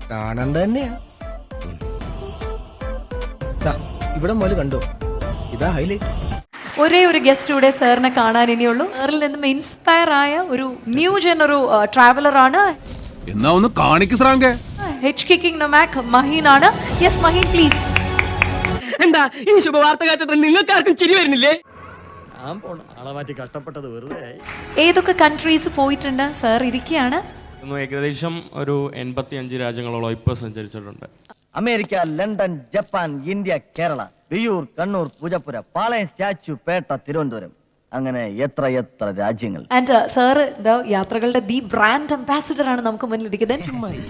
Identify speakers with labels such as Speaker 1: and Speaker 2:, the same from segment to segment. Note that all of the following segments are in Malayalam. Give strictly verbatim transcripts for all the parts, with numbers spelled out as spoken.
Speaker 1: കാണണ്ട തന്നെയാ. ഇവിടെ മോല് കണ്ടോ, ഇതാ ഹൈലൈറ്റ്.
Speaker 2: ഒരേ ഒരു ഗസ്റ്റ് കൂടെ സാറിനെ കാണാൻ ഇനിയുള്ളൂ. സാറിൽ നിന്നും ഇൻസ്പയർ ആയ ഒരു ന്യൂ ജൻ ഒരു ട്രാവലർ ആണ്.
Speaker 3: എന്നാ ഒന്ന് കാണിക്ക് ശ്രാങ്കേ.
Speaker 2: ഹെച്ച് കിക്കിംഗ് നൊമാക് മഹീൻ ആണ്. Yes Maheen please.
Speaker 4: എന്താ ഈ ശുഭവാർത്ത കേട്ടിട്ട് നിങ്ങൾക്ക് ആർക്കും ചിരി വരുന്നില്ലേ?
Speaker 5: കഷ്ടപ്പെട്ടത് വെറുതെ.
Speaker 2: ഏതൊക്കെ കൺട്രീസ് പോയിട്ടുണ്ട് സാർ? ഇരിക്കുകയാണ്.
Speaker 6: ഏകദേശം ഒരു എൺപത്തി അഞ്ച് രാജ്യങ്ങളോളം ഇപ്പോൾ സഞ്ചരിച്ചിട്ടുണ്ട്.
Speaker 7: America, London, Japan, India, Kerala, Viyyur, Kannur, Poojappura, Palayam, Statue, Pettah, Thiruvananthapuram, അങ്ങനെ എത്ര എത്ര രാജ്യങ്ങൾ.
Speaker 2: ആൻഡ് സാർ യാത്രകളുടെ ദി ബ്രാൻഡ് അംബാസിഡർ ആണ് നമുക്ക് മുന്നിൽ ഇരിക്കുന്നത്.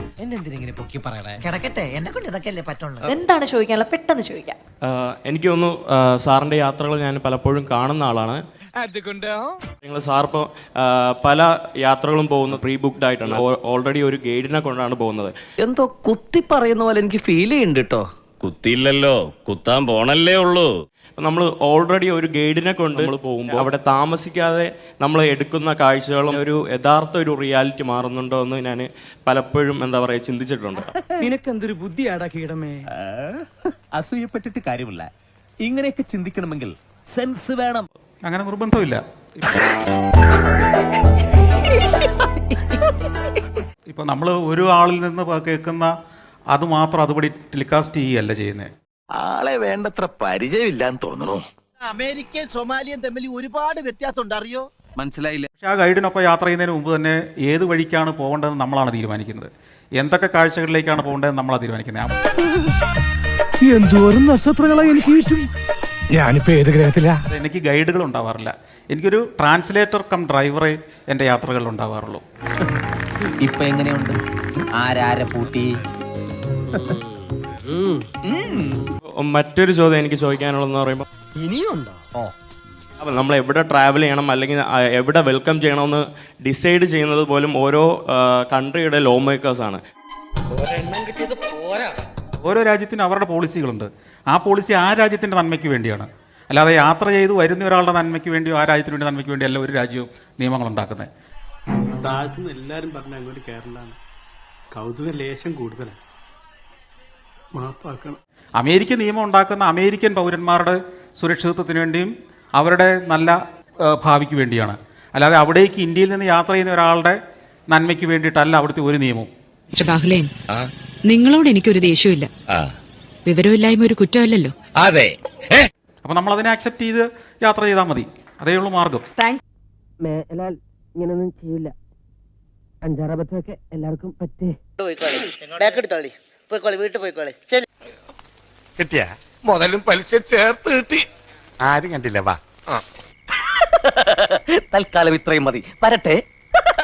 Speaker 2: എന്താണ് ചോദിക്കാനുള്ളത്? പെട്ടെന്ന് ചോദിക്കാം.
Speaker 6: എനിക്ക് തോന്നുന്നു സാറിൻ്റെ യാത്രകൾ ഞാൻ പലപ്പോഴും കാണുന്ന ആളാണ്. നിങ്ങൾ സാർ ഇപ്പോൾ പല യാത്രകളും പോകുന്നത് പ്രീ ബുക്ക്ഡ് ആയിട്ടാണ്. ഓൾറെഡി ഒരു ഗൈഡിനെ കൊണ്ടാണ് പോകുന്നത്.
Speaker 4: എന്തോ കുത്തി പറയുന്ന പോലെ എനിക്ക് ഫീൽ ചെയ്യുന്നുണ്ട് കേട്ടോ.
Speaker 5: കുത്തിയില്ലല്ലോ, കുത്താൻ പോണല്ലേ ഉള്ളൂ.
Speaker 6: നമ്മൾ ഓൾറെഡി ഒരു ഗൈഡിനെ കൊണ്ട് നമ്മൾ പോകുമ്പോൾ അവിടെ താമസിക്കാതെ നമ്മൾ എടുക്കുന്ന കാഴ്ചകളും ഒരു യഥാർത്ഥ ഒരു റിയാലിറ്റി മാറുന്നുണ്ടോ എന്ന് ഞാൻ പലപ്പോഴും എന്താ പറയുക ചിന്തിച്ചിട്ടുണ്ട്.
Speaker 4: നിനക്കെന്തൊരു ബുദ്ധിയാടാ കീടമേ.
Speaker 8: അസൂയപ്പെട്ടിട്ട് കാര്യമില്ല. ഇങ്ങനെയൊക്കെ ചിന്തിക്കണമെങ്കിൽ സെൻസ് വേണം.
Speaker 9: അങ്ങനെ നിർബന്ധമില്ല. ഇപ്പൊ നമ്മൾ ഒരു ആളിൽ നിന്ന് കേൾക്കുന്ന അത് മാത്രം അതുപടി ടെലികാസ്റ്റ് ചെയ്യുകയല്ല ചെയ്യുന്നത്.
Speaker 8: ആളെ വേണ്ടത്ര പരിചയമില്ലാന്ന് തോന്നുന്നു.
Speaker 7: അമേരിക്കയും സൊമാലിയും തമ്മിൽ ഒരുപാട് വ്യത്യാസം ഉണ്ട്, അറിയോ?
Speaker 4: മനസ്സിലായില്ല.
Speaker 9: പക്ഷെ ആ ഗൈഡിനൊപ്പം യാത്ര ചെയ്യുന്നതിന് മുമ്പ് തന്നെ ഏത് വഴിക്കാണ് പോകേണ്ടതെന്ന് നമ്മളാണ് തീരുമാനിക്കുന്നത്. എന്തൊക്കെ കാഴ്ചകളിലേക്കാണ് പോകേണ്ടതെന്ന് നമ്മളാണ് തീരുമാനിക്കുന്നത്.
Speaker 3: എന്തോരം നക്ഷത്രങ്ങളെ എനിക്ക് ഞാനിപ്പോ ഏത് ഗ്രഹത്തിലാ?
Speaker 9: എനിക്ക് ഗൈഡുകൾ ഉണ്ടാവാറില്ല. എനിക്കൊരു ട്രാൻസ്ലേറ്റർ കം ഡ്രൈവറെ എൻ്റെ യാത്രകളിൽ ഉണ്ടാവാറുള്ളൂ.
Speaker 7: ഇപ്പൊ എങ്ങനെയുണ്ട്? ആരാരെ പൂട്ടി?
Speaker 6: മറ്റൊരു ചോദ്യം എനിക്ക് ചോദിക്കാനുള്ളതെന്ന് പറയുമ്പോൾ
Speaker 4: ഇനിയുണ്ടോ?
Speaker 6: അപ്പം നമ്മൾ എവിടെ ട്രാവൽ ചെയ്യണം അല്ലെങ്കിൽ എവിടെ വെൽക്കം ചെയ്യണമെന്ന് ഡിസൈഡ് ചെയ്യുന്നത് പോലും ഓരോ കൺട്രിയുടെ ലോ മേക്കേഴ്സാണ്.
Speaker 9: ഓരോ രാജ്യത്തിനും അവരുടെ പോളിസികളുണ്ട്. ആ പോളിസി ആ രാജ്യത്തിൻ്റെ നന്മയ്ക്ക് വേണ്ടിയാണ്. അല്ലാതെ യാത്ര ചെയ്ത് വരുന്ന ഒരാളുടെ നന്മയ്ക്ക് വേണ്ടിയോ ആ രാജ്യത്തിന് വേണ്ടി നന്മയ്ക്ക് വേണ്ടിയോ അല്ല ഒരു രാജ്യവും നിയമങ്ങൾ ഉണ്ടാക്കുന്നത്.
Speaker 10: താഴത്തുനിന്ന് എല്ലാവരും പറഞ്ഞ അങ്ങോട്ട് കേരളമാണ്. കൗതുക ലേശം കൂടുതലാണ്. മാപ്പാക്കണം.
Speaker 9: അമേരിക്കൻ നിയമം ഉണ്ടാക്കുന്ന അമേരിക്കൻ പൗരന്മാരുടെ സുരക്ഷിതത്വത്തിന് വേണ്ടിയും അവരുടെ നല്ല ഭാവിക്ക് വേണ്ടിയാണ്. അല്ലാതെ അവിടേക്ക് ഇന്ത്യയിൽ നിന്ന് യാത്ര ചെയ്യുന്ന ഒരാളുടെ നന്മയ്ക്ക് വേണ്ടിയിട്ടല്ല അവിടുത്തെ ഒരു നിയമവും.
Speaker 11: മിസ്റ്റർ ബാഹുലേൻ, നിങ്ങളോട് എനിക്കൊരു ദേഷ്യമില്ല. വിവരമില്ലായ്മ ഒരു കുറ്റമല്ലല്ലോ.
Speaker 8: അതെ.
Speaker 9: അപ്പൊ നമ്മൾ അതിനെ അക്സെപ്റ്റ് ചെയ്ത് യാത്ര ചെയ്താൽ മതി. അതേ ഉള്ളൂ മാർഗം.
Speaker 4: മേലാൽ ഇങ്ങനൊന്നും ചെയ്യില്ല. അഞ്ചാറബത്തൊക്കെ എല്ലാവർക്കും പറ്റേ.
Speaker 7: വീട്ടിൽ പോയിക്കോളെ.
Speaker 3: കിട്ടിയ മുതലും പലിശ ചേർത്ത് കിട്ടി. ആരും കണ്ടില്ല. വാ,
Speaker 4: തൽക്കാലം ഇത്രയും മതി. വരട്ടെ.